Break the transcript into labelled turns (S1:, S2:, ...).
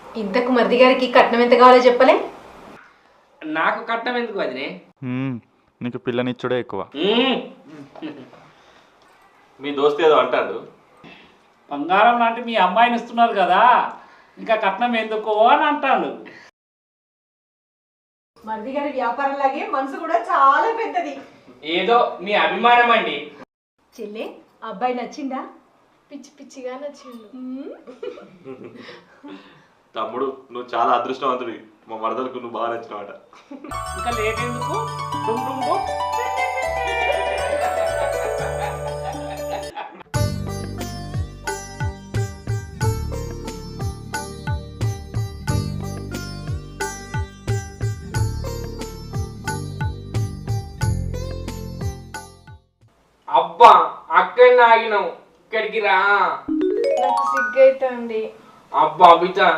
S1: ఇంతకు మరిది గారికి కట్నం ఎంత కావాలో చెప్పలే?
S2: నాకు కట్నం ఎందుకు వదినే?
S3: నీకు పిల్లనిచ్చుడే ఎక్కువ.
S4: మీ దోస్తు ఏదో అంటాడు.
S5: బంగారం లాంటి మీ అమ్మాయిని ఇస్తున్నారు కదా, ఇంకా కట్నం ఎందుకో అని అంటాడు.
S1: మరిది గారి వ్యాపారం లాగే మనసు కూడా చాలా పెద్దది.
S2: ఏదో మీ అభిమానం అండి.
S1: చెల్లె, అబ్బాయి నచ్చిందా?
S6: పిచ్చి పిచ్చిగా నచ్చిండు.
S4: తమ్ముడు నువ్వు చాలా అదృష్టవంతుడి. మా మరదలకు నువ్వు బాగా నచ్చినవాట.
S5: ఇంకా లేట్ ఎందుకు? డుమ్ డుమ్ డుమ్.
S2: అబ్బా అక్కడనే ఆగినావు, ఇక్కడికి రా.
S6: నాకు సిగ్గైతుంది.
S2: అబ్బా బిడ్డ